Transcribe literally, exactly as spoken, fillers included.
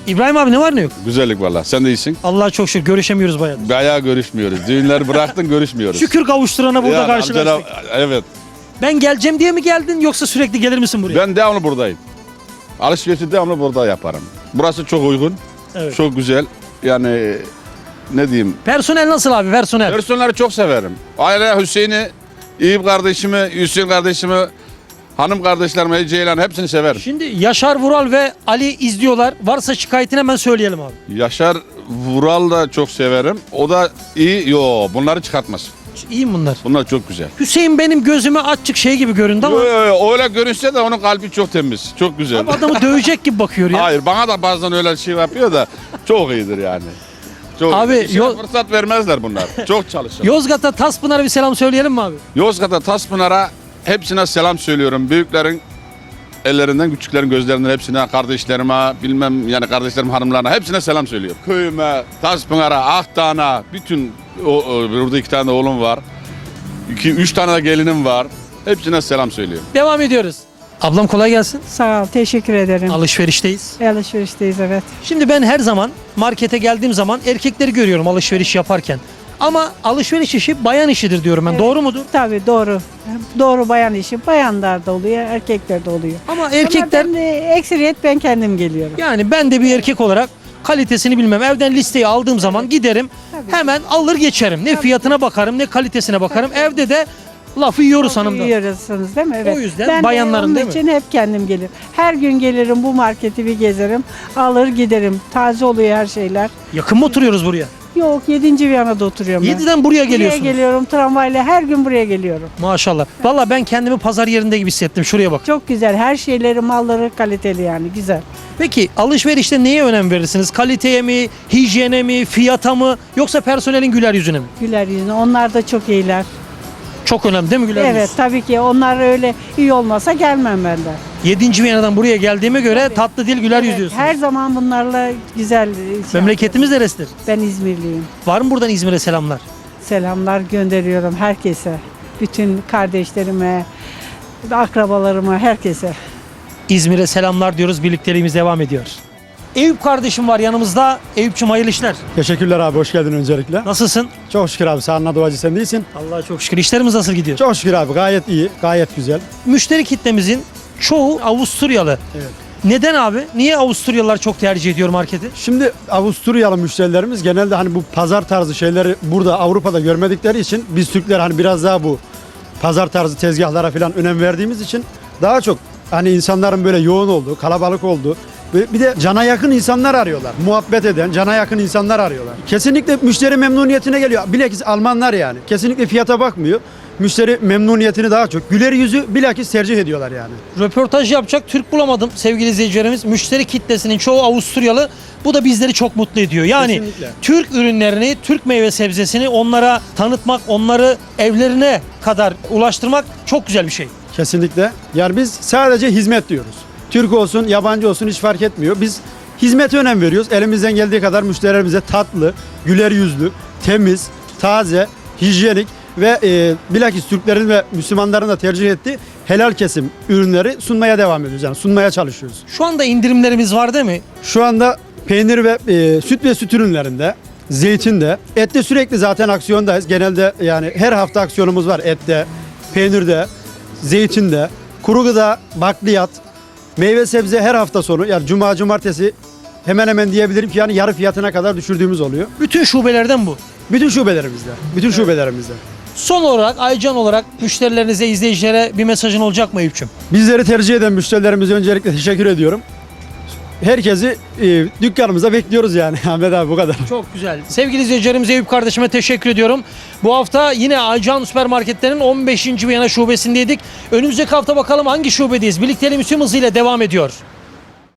İbrahim abi ne var ne yok? Güzellik valla. Sen de iyisin. Allah'a çok şükür görüşemiyoruz bayağı. Bayağı görüşmüyoruz. Düğünleri bıraktın görüşmüyoruz. Şükür kavuşturana burada Yani karşılaştık. amcana- evet. Ben geleceğim diye mi geldin yoksa sürekli gelir misin buraya? Ben devamlı buradayım. Alışverişi devamlı burada yaparım. Burası çok uygun. Evet. Çok güzel. Yani ne diyeyim. Personel nasıl abi personel? Personelleri çok severim. Aile Hüseyin'i, İyip kardeşimi, Hüseyin kardeşimi, hanım kardeşlerimi, Ceylan hepsini severim. Şimdi Yaşar Vural ve Ali izliyorlar. Varsa şikayetini hemen söyleyelim abi. Yaşar Vural da çok severim. O da iyi. Yo bunları çıkartmaz. İyi mi bunlar? Bunlar çok güzel. Hüseyin benim gözüme açık şey gibi göründü ama Yo, yo, yo, öyle görünse de onun kalbi çok temiz. Çok güzel. abi adamı dövecek gibi bakıyor ya. Hayır bana da bazen öyle şey yapıyor da çok iyidir yani. Çok Abi, iyidir. İşine yol- fırsat vermezler bunlar. Çok çalışır. Yozgat'a Taspınar'a bir selam söyleyelim mi abi? Yozgat'a, Taspınar'a hepsine selam söylüyorum. Büyüklerin ellerinden, küçüklerin gözlerinden hepsine, kardeşlerime, bilmem yani kardeşlerim hanımlarına hepsine selam söylüyorum. Köyüme, Taspınar'a, Akdağ'a, bütün o, o, burada iki tane de oğlum var. İki, üç tane de gelinim var. Hepsine selam söylüyorum. Devam ediyoruz. Ablam kolay gelsin. Sağ ol, teşekkür ederim. Alışverişteyiz. Alışverişteyiz, evet. Şimdi ben her zaman markete geldiğim zaman erkekleri görüyorum alışveriş yaparken. Ama alışveriş işi bayan işidir diyorum ben. Evet. Doğru mudur? Tabii doğru. Doğru bayan işi. Bayanlar da oluyor, erkekler de oluyor. Ama erkekler Ama ben de, ekseriyet ben kendim geliyorum. yani ben de bir erkek olarak kalitesini bilmem. Evden listeyi aldığım zaman giderim. Tabii. Hemen alır geçerim. Ne fiyatına bakarım ne kalitesine bakarım. Evde de lafı yiyoruz hanımdan. Yiyorsunuz değil mi? Evet. O yüzden ben bayanların de onun değil mi? için hep kendim gelirim. Her gün gelirim, bu marketi bir gezerim. Alır giderim. Taze oluyor her şeyler. Yakın mı oturuyoruz buraya? Yok, yedinci Viyana'da oturuyorum ben. yediden buraya geliyorsunuz. Buraya geliyorum tramvayla, her gün buraya geliyorum. Maşallah. Valla ben kendimi pazar yerinde gibi hissettim. Şuraya bak. Çok güzel. Her şeyleri, malları kaliteli yani. Güzel. Peki alışverişte neye önem verirsiniz? Kaliteye mi, hijyene mi, fiyata mı yoksa personelin güler yüzüne mi? Güler yüzüne. Onlar da çok iyiler. Çok önemli değil mi güler Evet yüz? tabii ki. Onlar öyle iyi olmasa gelmem ben de. yedinci Viyana'dan buraya geldiğime göre Tabii. tatlı dil güler yüz Evet, diyorsunuz. her zaman bunlarla güzel. şey Memleketimiz neresidir? yapıyorum. Ben İzmirliyim. Var mı buradan İzmir'e selamlar? Selamlar gönderiyorum herkese. Bütün kardeşlerime, akrabalarıma, herkese. İzmir'e selamlar diyoruz. Birlikteliğimiz devam ediyor. Eyüp kardeşim var yanımızda. Eyüp'cüm hayırlı işler. Teşekkürler abi, hoş geldin öncelikle. Nasılsın? Çok şükür abi, sağ duacı sen değilsin. Allah'a çok şükür. İşlerimiz nasıl gidiyor? Çok şükür abi, gayet iyi, gayet güzel. Müşteri kitlemizin çoğu Avusturyalı. Evet. Neden abi? Niye Avusturyalılar çok tercih ediyor marketi? Şimdi Avusturyalı müşterilerimiz genelde hani bu pazar tarzı şeyleri burada Avrupa'da görmedikleri için biz Türkler hani biraz daha bu pazar tarzı tezgahlara falan önem verdiğimiz için daha çok hani insanların böyle yoğun olduğu, kalabalık olduğu ve bir de cana yakın insanlar arıyorlar. Muhabbet eden, cana yakın insanlar arıyorlar. Kesinlikle müşteri memnuniyetine geliyor. Bilakis Almanlar yani. Kesinlikle fiyata bakmıyor. Müşteri memnuniyetini daha çok, güler yüzü bilakis tercih ediyorlar yani. Röportaj yapacak Türk bulamadım sevgili izleyicilerimiz. Müşteri kitlesinin çoğu Avusturyalı. Bu da bizleri çok mutlu ediyor. Yani Kesinlikle. Türk ürünlerini, Türk meyve sebzesini onlara tanıtmak, onları evlerine kadar ulaştırmak çok güzel bir şey. Kesinlikle. Yani biz sadece hizmet diyoruz. Türk olsun, yabancı olsun hiç fark etmiyor. Biz hizmete önem veriyoruz. Elimizden geldiği kadar müşterilerimize tatlı, güler yüzlü, temiz, taze, hijyenik ve e, bilakis Türklerin ve Müslümanların da tercih ettiği helal kesim ürünleri sunmaya devam ediyoruz. Yani sunmaya çalışıyoruz. Şu anda indirimlerimiz var değil mi? Şu anda peynir ve e, süt ve süt ürünlerinde, zeytinde, ette sürekli zaten aksiyondayız. Genelde yani her hafta aksiyonumuz var ette, peynirde, zeytinde, kuru gıda, bakliyat, meyve sebze her hafta sonu yani cuma cumartesi hemen hemen diyebilirim ki yani yarı fiyatına kadar düşürdüğümüz oluyor. Bütün şubelerden bu. Bütün şubelerimizde, bütün şubelerimizde. Son olarak Aycan olarak müşterilerinize, izleyicilere bir mesajın olacak mı Eyüp'cüm? Bizleri tercih eden müşterilerimize öncelikle teşekkür ediyorum. Herkesi e, dükkanımıza bekliyoruz yani Ahmet abi, bu kadar. Çok güzel. Sevgili izleyicilerimize Eyüp kardeşime teşekkür ediyorum. Bu hafta yine Aycan Süpermarketler'in on beşinci Viyana şubesindeydik. Önümüzdeki hafta bakalım hangi şubedeyiz? Birlikteliğimiz tüm hızıyla devam ediyor.